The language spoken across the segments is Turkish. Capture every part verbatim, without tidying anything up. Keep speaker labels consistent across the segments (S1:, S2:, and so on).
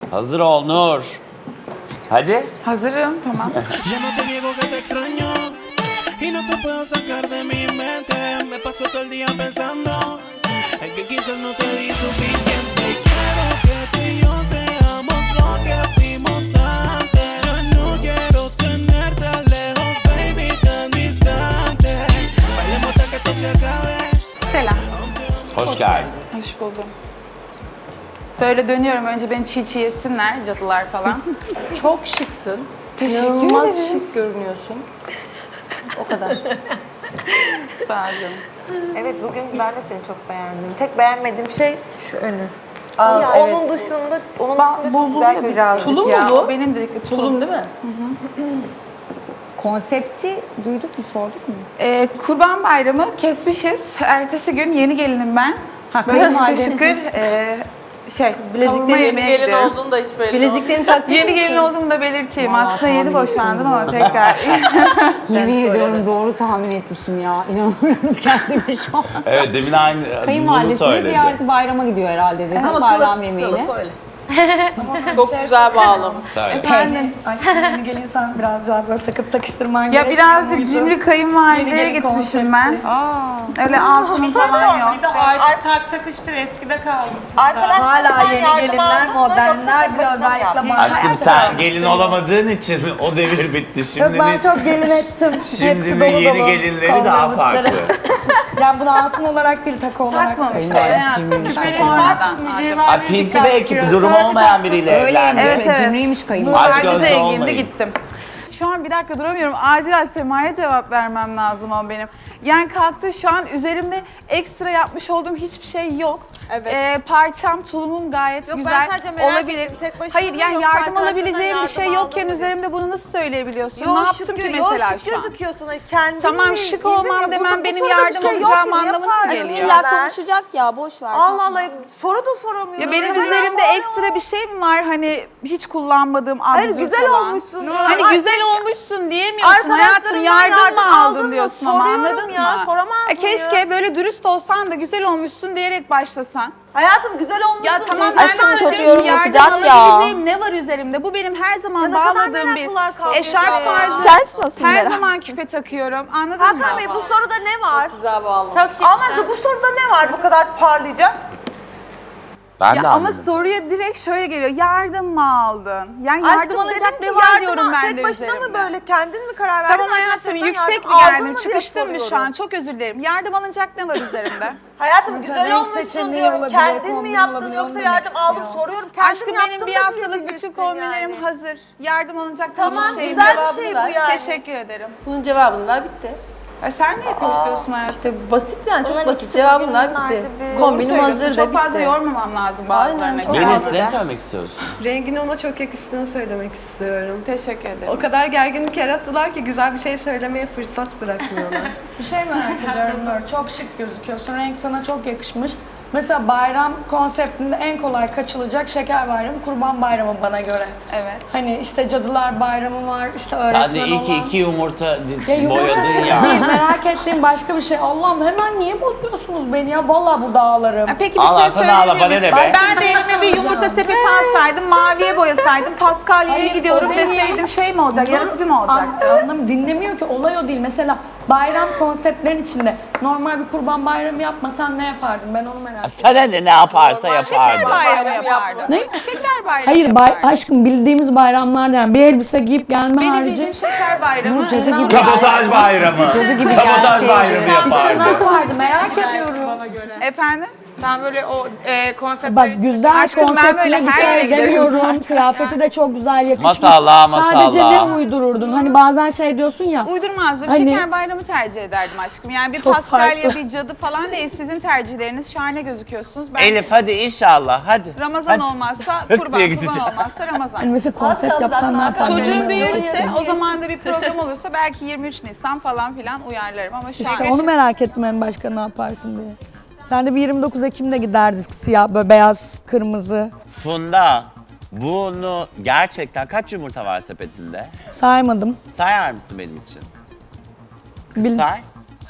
S1: Hazır ol Nur. Hadi.
S2: Hazırım, tamam.
S3: Yo no te niego que te extraño y no te puedo sacar de mi mente. Me paso todo el día pensando en que quizás no te di suficiente. Y quiero que tú y yo seamos lo que fuimos antes. Yo no quiero tenerte lejos, baby, tan distante. Bailemos hasta que esto se acabe.
S2: Selam.
S1: Hoş geldin.
S2: Hoş buldum. Böyle dönüyorum. Önce beni çiğ çiğ yesinler, cadılar falan.
S4: Çok şıksın.
S2: Teşekkür
S4: İnanılmaz
S2: ederim.
S4: şık görünüyorsun. O kadar.
S2: Sağ olun.
S5: Evet, bugün ben de seni çok beğendim. Tek beğenmediğim şey şu önü.
S4: Aa,
S5: Ya
S4: evet.
S5: Onun dışında, onun
S2: Ba-
S5: dışında çok
S2: bozuluyor
S5: güzel
S2: birazcık
S4: Tulum mu
S2: ya.
S4: bu?
S2: Benim dedikleri tulum.
S4: Tulum değil mi?
S6: Konsepti duyduk mu, sorduk mu?
S2: Ee, Kurban Bayramı kesmişiz. Ertesi gün yeni gelinim ben.
S6: Ha,
S2: Böyle şıkır
S6: kayınvalide.
S2: şıkır e, şey,
S4: bilezikleri
S2: kavurma
S4: yeni
S2: yemeye
S4: gelin
S2: gidiyorum.
S4: olduğunu da hiç belli Bileziklerini taktın
S2: Yeni gelin olduğumu da belirteyim.
S6: Vallahi
S2: Aslında yeni
S6: tahmin
S2: boşandım
S6: ettim
S2: ama tekrar.
S6: Yemin ediyorum doğru tahmin etmişim ya. İnanamıyorum kendime şu an.
S1: Evet demin aynı bunu
S6: Kayınvalidesini
S1: söyledi.
S6: ziyareti bayrama gidiyor herhalde dedi.
S5: Ama
S6: Bayram
S5: kılıf-
S6: yemeğiyle.
S5: kılıf öyle.
S4: Çok güzel bağlamış.
S1: Söyle.
S2: Efendim.
S7: Aşkım yeni gelirsen biraz daha böyle takıp takıştırman
S2: Ya
S7: gerekmiyor
S2: birazcık
S7: muydu?
S2: cimri
S7: Yeni
S2: kayınvalideye
S7: gelin
S2: gitmişim ben.
S7: konsepti.
S2: Öyle altın falan yok.
S8: Bir de artık tak takıştır eskide kaldı sizde.
S5: Arkadaşlarımdan
S7: Hala yeni
S5: yardım
S7: gelinler,
S5: aldın mı, yoksa
S7: modernler
S5: tek
S7: bile
S5: başına mı
S7: özellikle
S5: yaptın?
S7: bana.
S1: Aşkım sen gelin olamadığın için o devir bitti. Şimdi
S7: Yok ben
S1: bir-
S7: çok gelin ettim.
S1: Şimdi
S7: Hepsi
S1: bir
S7: dolu
S1: yeni
S7: dolu.
S1: gelinleri
S7: Kolları,
S1: daha
S7: bıtları.
S1: farklı.
S7: Yani bunu altın olarak değil takı olarak.
S2: Takmamışlar.
S6: Kayınvalidesi
S2: Hayatım,
S6: cimriymiş.
S2: sonradan.
S1: Ay pinti belki bir durum olmayan biriyle evlendi.
S2: Evet, evet.
S6: Cimriymiş
S1: Aç
S6: kayınvalide.
S1: gözlü
S2: Herkese
S1: olmayın.
S2: ilgimdi gittim. Şu an bir dakika duramıyorum. Acilen Sema'ya cevap vermem lazım o benim. Yani kalktı şu an üzerimde ekstra yapmış olduğum hiçbir şey yok.
S5: Evet.
S2: Ee, parçam, tulumum gayet
S5: Yok, ben
S2: güzel
S5: sadece merak
S2: olabilir.
S5: ettim. Tek başına
S2: Hayır
S5: mı
S2: yani
S5: yoksa
S2: yardım
S5: arkadaşlarından
S2: alabileceğim bir
S5: yardım
S2: şey
S5: aldın
S2: yokken
S5: mı?
S2: üzerimde bunu nasıl söyleyebiliyorsun?
S5: Yo,
S2: ne yaptım
S5: şık,
S2: ki
S5: yo,
S2: mesela
S5: şık
S2: şu an?
S5: gözüküyorsun. Kendin
S2: Tamam,
S5: mi
S2: şık
S5: giydin
S2: olmam
S5: ya?
S2: demem
S5: Burada bu
S2: benim
S5: soruda bir
S2: yardım
S5: şey yok
S2: alacağım
S5: ki, niye
S2: anlamına
S5: pardon
S2: geliyor.
S5: ya
S4: İlla
S5: ben?
S4: konuşacak ya boş ver.
S5: Allah Allah, soru da soramıyorum.
S2: Ya benim
S5: Hemen
S2: üzerimde
S5: var
S2: ekstra bir şey mi var hani hiç kullanmadığım
S5: Hayır,
S2: absürt
S5: güzel
S2: olan?
S5: olmuşsun diyorum.
S2: Hani
S5: Ay,
S2: güzel olmuşsun diyemiyorsun hayatım,
S5: Arkadaşlarından
S2: yardım,
S5: yardım
S2: mı
S5: aldın
S2: aldın
S5: mı?
S2: diyorsun ama
S5: Soruyorum
S2: anladın
S5: ya,
S2: mı?
S5: soramaz
S2: E, keşke
S5: mıyım?
S2: böyle dürüst olsan da güzel olmuşsun diyerek başlasan.
S5: Hayatım güzel olmuşsun.
S2: Ya tamam
S5: dedi.
S2: ben
S4: Aşkım,
S2: de
S4: kötü
S2: diyorum
S4: yorum
S2: ki yardım
S4: yapacak ya.
S2: alabileceğim ne var üzerimde? Bu benim her zaman
S5: Ya ne kadar
S2: bağladığım
S5: meraklılar
S2: bir
S5: kalkıyor
S2: eşarp
S5: ya.
S2: tarzı.
S4: Sensin asıl
S2: Her
S4: merak.
S2: zaman küpe takıyorum anladın mı?
S5: Hakan Bey, bu soruda ne var?
S4: Güzel bağlamış.
S8: Çok şık.
S5: Allah aşkına bu soruda ne var bu kadar parlayacak?
S1: Ben de
S2: Ya ama
S1: anladım.
S2: soruya direkt şöyle geliyor. Yardım mı aldın? Yani yardım
S5: Aşkım,
S2: alacak
S5: dedim
S2: ne
S5: ki
S2: var
S5: yardım
S2: diyorum
S5: al-
S2: ben de
S5: Tek başına
S2: üzerimde.
S5: mı böyle kendin mi karar verdin?
S2: Tamam hayatım,
S5: arkadaşlarından
S2: yüksek
S5: yardım
S2: mi
S5: aldın
S2: geldim?
S5: mı diye
S2: Çıkıştım mı şu
S5: soruyorum.
S2: an? Çok özür dilerim. Yardım alınacak ne var üzerimde?
S5: Hayatım
S7: Mesela
S5: güzel
S7: renk
S5: olmuşsun
S7: seçeneği
S5: diyorum.
S7: olabilir,
S5: Kendin mi
S7: kombin
S5: yaptın
S7: olabilir,
S5: yoksa
S7: onu
S5: yardım
S7: demek
S5: aldım
S7: istiyor.
S5: soruyorum. Kendim
S2: Aşkım
S5: yaptım
S2: benim
S5: da
S2: bir haftalık
S5: diyebilirsin
S2: bütün kombinlerim
S5: yani.
S2: hazır. Yardım alınacak
S5: Tamam,
S2: hiçbir şeyim
S5: güzel
S2: yok.
S5: bir şey bu yani.
S2: Teşekkür ederim.
S4: Bunun cevabını ver bitti.
S2: E sen niye karıştırıyorsun hayatım?
S4: İşte basit yani çok
S5: Onların
S4: basit
S5: ikisi
S4: cevabını ver
S5: bugünlerde
S4: bitti.
S5: bir-
S2: Doğru
S4: Kombinim
S2: söylüyorsun.
S4: hazır da
S2: Çok fazla
S4: bitti.
S2: yormamam lazım bazılarına.
S4: çok
S2: göre.
S1: Melis
S4: Biraz
S1: ne
S4: da.
S1: söylemek istiyorsun?
S9: Rengin ona çok yakıştığını söylemek istiyorum.
S2: Teşekkür ederim.
S9: O kadar gerginlik yarattılar ki güzel bir şey söylemeye fırsat bırakmıyorlar.
S7: Bir şey merak ediyorum Nur. Çok şık gözüküyorsun. Renk sana çok yakışmış. Mesela bayram konseptinde en kolay kaçılacak şeker bayramı, kurban bayramı bana göre.
S2: Evet.
S7: Hani işte cadılar bayramı var, işte
S1: Sen
S7: öğretmen
S1: de iyi ki
S7: olan.
S1: iki yumurta
S7: Ya
S1: boyadın
S7: yumurtası
S1: ya.
S7: değil, merak ettiğim başka bir şey. Allah'ım hemen niye bozuyorsunuz beni ya? Vallahi burada ağlarım.
S2: E Peki bir
S1: Allah
S2: şey
S1: sana ağla,
S2: söyleyebilir miyim?
S1: bana ne be?
S2: Ben de elime bir yumurta sepeti alsaydım, maviye boyasaydım, Paskalya'ya
S7: Hayır,
S2: gidiyorum
S7: o değil.
S2: deseydim şey mi olacak, yaratıcı mı olacaktı?
S7: Anlam dinlemiyor ki, olay o değil. Mesela bayram konseptlerin içinde normal bir kurban bayramı yapmasan ne yapardın? Ben onu merak ediyorum.
S1: Sana ne ne yaparsa yapardı.
S2: Şeker bayramı yapardım.
S7: Ne?
S2: Şeker bayramı
S7: Hayır bay,
S2: yapardım.
S7: aşkım bildiğimiz bayramlar yani bir elbise giyip gelme
S2: Benim
S7: harici.
S2: bildiğim şeker bayramı.
S6: Cadı gibi.
S1: Kabotaj bayramı.
S6: gibi
S1: Kabotaj
S6: gelseydi.
S1: bayramı
S7: İşte ne
S1: yapardı.
S7: yapardı merak ediyorum.
S2: Efendim?
S8: Sen böyle o e, konseptleri...
S6: Bak güzel
S2: Aşkım, ben
S6: konseptine
S2: böyle
S6: bir
S2: her yere
S6: şey
S2: giderim
S6: demiyorum.
S2: zaten.
S6: Kıyafeti de çok güzel yakışmış.
S1: Masallah,
S7: Sadece
S1: masallah.
S7: ne uydururdun? Hani bazen şey diyorsun ya.
S2: Uydurmazdım.
S7: Hani-
S2: Şeker bayramı tercih ederdim aşkım. Yani bir
S7: Çok
S2: Paskalya,
S7: farklı.
S2: bir cadı falan değil. Sizin tercihleriniz şahane gözüküyorsunuz. Ben
S1: Elif hadi inşallah hadi.
S2: Ramazan
S1: Hadi.
S2: olmazsa
S1: Hık
S2: kurban,
S1: diye
S2: kurban
S1: gideceğim.
S2: olmazsa Ramazan.
S7: Hani mesela konsept
S4: kaldı
S7: yapsan ne
S4: zaten.
S7: yapardın?
S2: Çocuğum
S7: Merak
S2: büyürse
S7: ediyorum.
S2: o zaman da bir program olursa belki yirmi üç Nisan falan filan uyarlarım ama şu
S7: İşte
S2: an
S7: onu merak ettim en başka ne yaparsın diye. Sen de bir yirmi dokuz Ekim'de giderdik siyah böyle beyaz kırmızı.
S1: Funda bunu gerçekten kaç yumurta var sepetinde?
S7: Saymadım.
S1: Sayar mısın benim için? Kız
S7: Bil-
S1: say.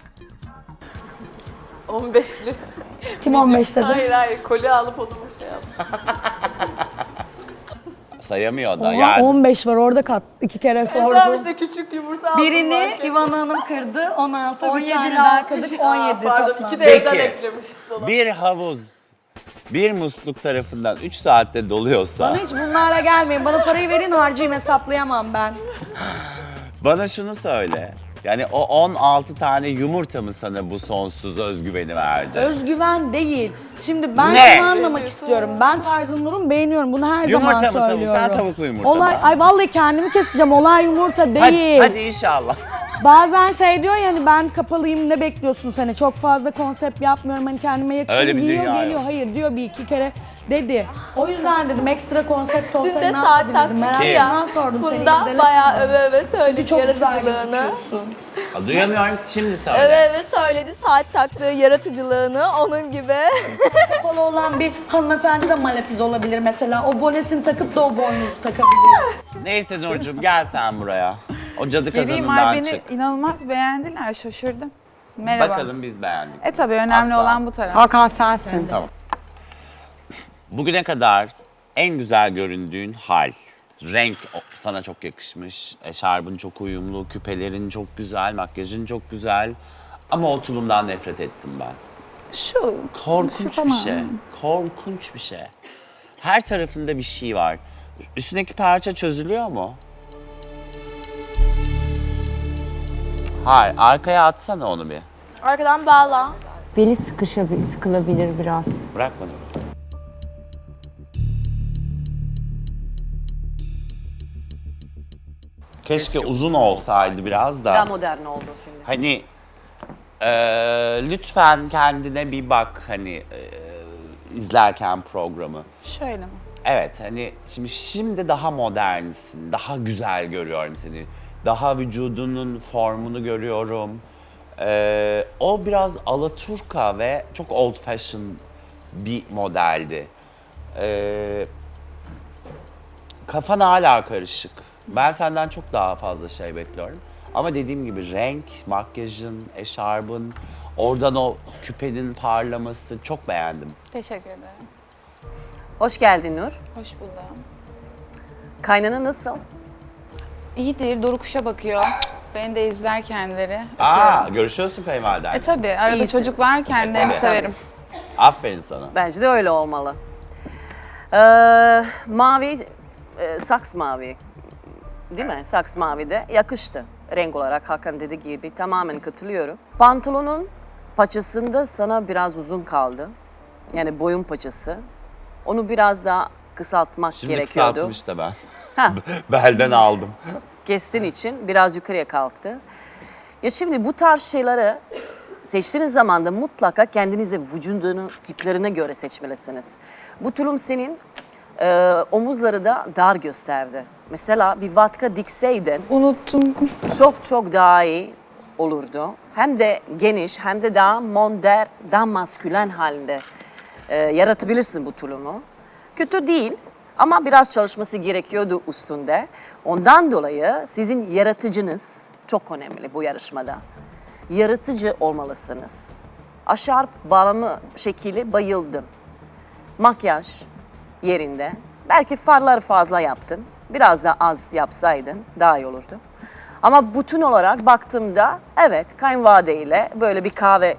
S4: on beşli.
S7: Kim on beş dedi?
S4: Hayır hayır koli alıp onu şey yapmış.
S1: sayamıyor da.
S7: Oha,
S1: Yani
S7: on beş var orada kat. iki kere
S4: Tamam
S7: sordum.
S4: işte küçük yumurta aldım.
S7: Birini
S4: marketten.
S7: Ivana Hanım kırdı. on altı bir
S4: on yedi
S7: tane
S4: ile
S7: daha
S4: altmış.
S7: kırdık. on yedi
S4: Aa, pardon,
S7: toplam.
S4: iki de evden
S1: Peki.
S4: eklemiş. Dolap.
S1: bir havuz bir musluk tarafından üç saatte doluyorsa
S7: Bana hiç bunlarla gelmeyin. Bana parayı verin harcayayım, hesaplayamam ben.
S1: bana şunu söyle. Yani o on altı tane yumurta mı sana bu sonsuz özgüveni verdi?
S7: Özgüven değil. Şimdi ben
S1: Ne?
S7: şunu anlamak istiyorum. Ben Tarzan Nur'u beğeniyorum. Bunu her
S1: Yumurta
S7: zaman
S1: mı tavuk?
S7: söylüyorum.
S1: Ben tavuklu yumurta
S7: Olay,
S1: mı?
S7: ay vallahi kendimi keseceğim. Olay yumurta
S1: hadi,
S7: değil.
S1: hadi inşallah.
S7: Bazen şey diyor ya hani ben kapalıyım ne bekliyorsun hani çok fazla konsept yapmıyorum hani kendime
S1: Öyle
S7: yakışır
S1: bir
S7: giyiyor
S1: dünya yok.
S7: geliyor. Hayır diyor bir iki kere dedi. O yüzden dedim ekstra konsept olsa
S4: Dün de
S7: ne
S4: saat
S7: yapabilirdim
S4: takmış
S7: merak
S1: Kim?
S7: etmem
S4: ya.
S7: sordum seni.
S4: Funda
S7: gidelim.
S4: bayağı öve öve söyledi
S7: Çok güzel
S4: yaratıcılığını.
S7: gözüküyorsun.
S1: Duyamıyorum ki şimdi söyle.
S4: Öve öve söyledi saat taktığı yaratıcılığını onun gibi.
S7: Kapalı olan bir hanımefendi de malefiz olabilir mesela. O bonesini takıp da o boynuzu takabilir.
S1: Neyse Nurcuğum gel sen buraya. O cadı
S2: Geleyim ay
S1: kazanından
S2: beni
S1: çık.
S2: inanılmaz beğendiler, şaşırdım. Merhaba.
S1: Bakalım biz beğendik.
S2: E tabii önemli
S1: Asla.
S2: olan bu taraf.
S6: Hakan sensin.
S1: Tamam. Bugüne kadar en güzel göründüğün hal. Renk o- sana çok yakışmış. Eşarbın çok uyumlu, küpelerin çok güzel, makyajın çok güzel. Ama o tulumdan nefret ettim ben.
S2: Şu
S1: Korkunç
S2: şu
S1: bir
S2: falan.
S1: şey. Korkunç bir şey. Her tarafında bir şey var. Üstündeki parça çözülüyor mu? Hayır, arkaya atsana onu bir.
S4: Arkadan bağla.
S6: Beli sıkışabilir, sıkılabilir biraz.
S1: Bırak bana. Keşke uzun olsaydı biraz da.
S5: Daha modern oldu şimdi.
S1: Hani eee, lütfen kendine bir bak hani eee, izlerken programı.
S2: Şöyle mi?
S1: Evet hani şimdi şimdi daha modernsin, daha güzel görüyorum seni. Daha vücudunun formunu görüyorum. Ee, o biraz alaturka ve çok old fashion bir modeldi. Ee, kafan hala karışık. Ben senden çok daha fazla şey bekliyorum. Ama dediğim gibi renk, makyajın, eşarbın, oradan o küpenin parlaması çok beğendim.
S2: Teşekkür ederim.
S5: Hoş geldin Nur.
S2: Hoş buldum.
S5: Kaynana nasıl?
S2: İyidir, Doruk Kuş'a bakıyor. Beni de izler kendileri.
S1: Aa,
S2: Öpüyorum.
S1: görüşüyorsun kayınvaliden.
S2: E tabii, arada
S5: İyisiniz.
S2: çocuk var kendilerini
S1: tabii.
S2: severim.
S1: Aferin sana.
S5: Bence de öyle olmalı. Ee, mavi, e, saks mavi. Değil mi? Saks mavi de yakıştı. Renk olarak Hakan dediği gibi tamamen katılıyorum. Pantolonun paçasında sana biraz uzun kaldı. Yani boyun paçası. Onu biraz daha kısaltmak
S1: Şimdi
S5: gerekiyordu.
S1: kısalttım işte ben.
S5: Ha,
S1: Belden aldım.
S5: kestiğin için biraz yukarıya kalktı. Ya şimdi bu tarz şeyleri seçtiğiniz zaman da mutlaka kendinize vücudunun tiplerine göre seçmelisiniz. Bu tulum senin e, omuzları da dar gösterdi. Mesela bir vatka dikseydin
S2: Unuttum.
S5: çok çok daha iyi olurdu. Hem de geniş hem de daha modern, daha maskülen halinde e, yaratabilirsin bu tulumu. Kötü değil ama biraz çalışması gerekiyordu üstünde. Ondan dolayı sizin yaratıcınız çok önemli bu yarışmada. Yaratıcı olmalısınız. Aşarp bağlamı şekli bayıldım. Makyaj yerinde. Belki farları fazla yaptın. Biraz da az yapsaydın daha iyi olurdu. Ama bütün olarak baktığımda evet kayınvalideyle böyle bir kahve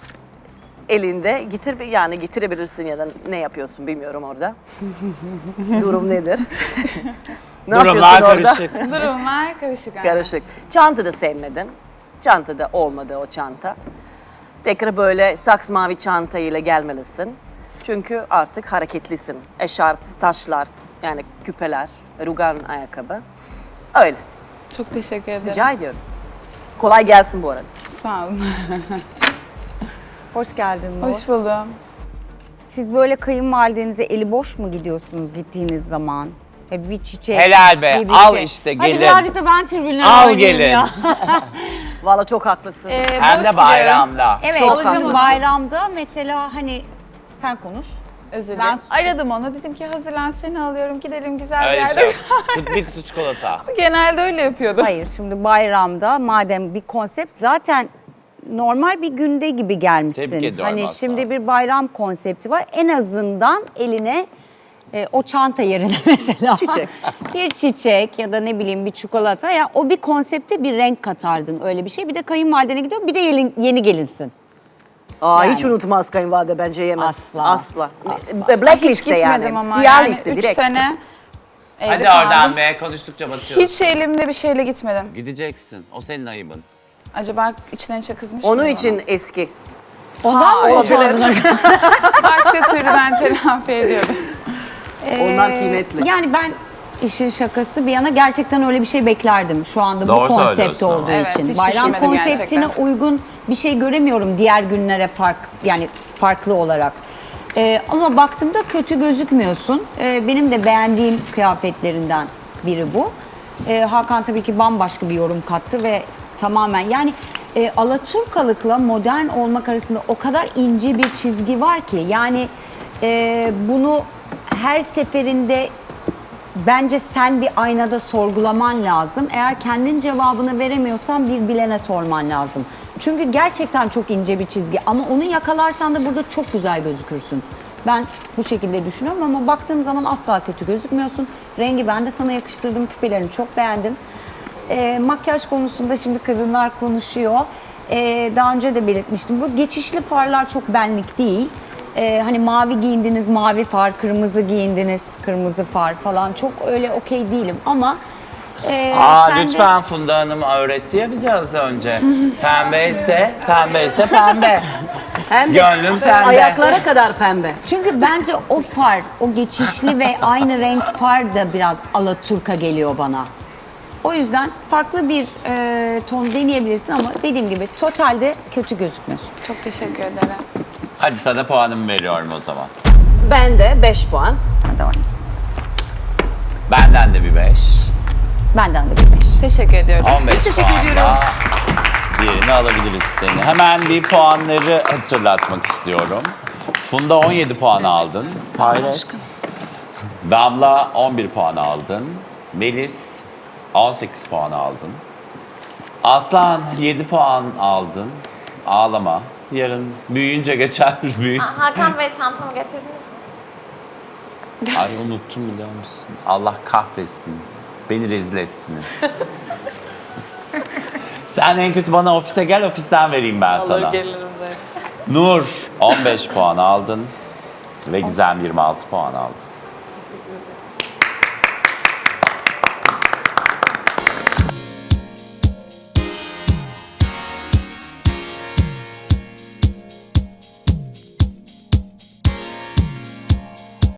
S5: elinde getir yani getirebilirsin ya da ne yapıyorsun bilmiyorum orada. Durum nedir? ne
S1: Durumlar
S5: yapıyorsun orada?
S1: karışık.
S2: Durumlar karışık. aynen.
S5: Karışık. Çanta da sevmedim. Çanta da olmadı o çanta. Tekrar böyle saks mavi çantayla gelmelisin. Çünkü artık hareketlisin. Eşarp, taşlar, yani küpeler, rugan ayakkabı. Öyle.
S2: Çok teşekkür ederim.
S5: Rica ediyorum. Kolay gelsin bu arada.
S2: Sağ olun.
S6: Hoş geldin Nur.
S2: Hoş buldum.
S6: Siz böyle kayınvalidenize eli boş mu gidiyorsunuz gittiğiniz zaman? E, bir çiçek.
S1: Helal be,
S6: bir bir
S1: al
S6: şey.
S1: işte,
S6: Hadi
S1: gelin.
S6: birazcık da ben tribünlere
S1: Al
S6: oynayayım
S1: gelin.
S6: ya.
S5: Vallahi çok haklısın.
S2: Ee,
S1: Hem
S2: boş
S1: de bayramda.
S6: Evet,
S5: Çok
S6: şimdi
S5: haklısın.
S6: bayramda mesela hani sen konuş.
S2: Özür
S6: Ben-
S2: dilerim. Aradım onu. Dedim ki hazırlan seni alıyorum. Gidelim güzel bir
S1: Öyle bir
S2: yerde.
S1: şey yok. Kut- Bir kutu çikolata.
S2: Genelde öyle yapıyordu.
S6: Hayır, şimdi bayramda madem bir konsept zaten normal bir günde gibi gelmişsin.
S1: Tebrik ediyorum
S6: Hani
S1: aslında.
S6: şimdi bir bayram konsepti var. En azından eline E, o çanta yerine mesela.
S5: Çiçek.
S6: Bir çiçek ya da ne bileyim bir çikolata. Ya o bir konsepte bir renk katardın öyle bir şey. Bir de kayınvalidene gidiyor bir de yeni, yeni gelinsin.
S5: Aa,
S6: Yani.
S5: hiç unutmaz kayınvalide bence yemez.
S6: Asla.
S5: Asla.
S6: Asla.
S5: Black
S2: Hiç
S5: liste yani.
S2: gitmedim ama
S5: Siyah
S2: yani
S5: liste
S2: üç
S5: direkt.
S2: sene evde
S1: Hadi
S2: kaldım.
S1: oradan be, konuştukça batıyoruz.
S2: Hiç elimde bir şeyle gitmedim.
S1: Gideceksin. O senin ayıbın.
S2: Acaba içten içe kızmış
S5: Onun
S2: mıyım
S5: için eski.
S6: Ondan mı boşandın acaba?
S2: ona? Başka türlü ben telafi ediyorum.
S5: Onlar kıymetli.
S6: Yani ben işin şakası bir yana gerçekten öyle bir şey beklerdim şu anda
S1: Doğru
S6: bu konsept
S1: söylüyorsun ama.
S6: olduğu
S2: Evet,
S6: için.
S2: hiç
S6: Bayram
S2: düşünmedim
S6: konseptine
S2: gerçekten.
S6: uygun bir şey göremiyorum diğer günlere fark yani farklı olarak. Ee, ama baktığımda kötü gözükmüyorsun. Ee, benim de beğendiğim kıyafetlerinden biri bu. Ee, Hakan tabii ki bambaşka bir yorum kattı ve tamamen yani e, Alaturkalıkla modern olmak arasında o kadar ince bir çizgi var ki yani e, bunu her seferinde bence sen bir aynada sorgulaman lazım. Eğer kendin cevabını veremiyorsan bir bilene sorman lazım. Çünkü gerçekten çok ince bir çizgi ama onu yakalarsan da burada çok güzel gözükürsün. Ben bu şekilde düşünüyorum ama baktığım zaman asla kötü gözükmüyorsun. Rengi ben de sana yakıştırdım, küpelerini çok beğendim. Ee, makyaj konusunda şimdi kadınlar konuşuyor. Ee, daha önce de belirtmiştim. Bu geçişli farlar çok benlik değil. Ee, hani mavi giyindiniz, mavi far, kırmızı giyindiniz, kırmızı far falan. Çok öyle okey değilim ama... e,
S1: Aa
S6: sen de-
S1: lütfen, Funda Hanım öğretti ya bize az önce. Pembe ise pembe ise pembe.
S5: Hem de
S1: Gönlüm sende.
S5: ayaklara kadar pembe.
S6: Çünkü bence o far, o geçişli ve aynı renk far da biraz alaturka geliyor bana. O yüzden farklı bir e, ton deneyebilirsin ama dediğim gibi totalde kötü gözükmüyorsun.
S2: Çok teşekkür ederim.
S1: Hadi sana puanımı veriyorum o zaman.
S5: Ben de beş puan.
S6: Hadi oynasın.
S1: Benden de bir beş.
S6: Benden de bir beş.
S2: Teşekkür ediyorum.
S1: on beş
S5: teşekkür
S1: puanla
S5: ediyorum.
S1: diğerini alabiliriz seni. Hemen bir puanları hatırlatmak istiyorum. Funda on yedi puan aldın. Hayret. Damla on bir puan aldın. Melis on sekiz puan aldın. Aslan yedi puan aldın. Ağlama. Yarın büyüyünce geçer. Büyü.
S4: Hakan Bey çantamı getirdiniz mi?
S1: Ay unuttum biliyor musun? Allah kahretsin. Beni rezil ettiniz. Sen en kötü bana ofise gel, ofisten vereyim ben sana.
S9: Olur gelirim zaten.
S1: Nur on beş puan aldın ve Gizem yirmi altı puan aldın.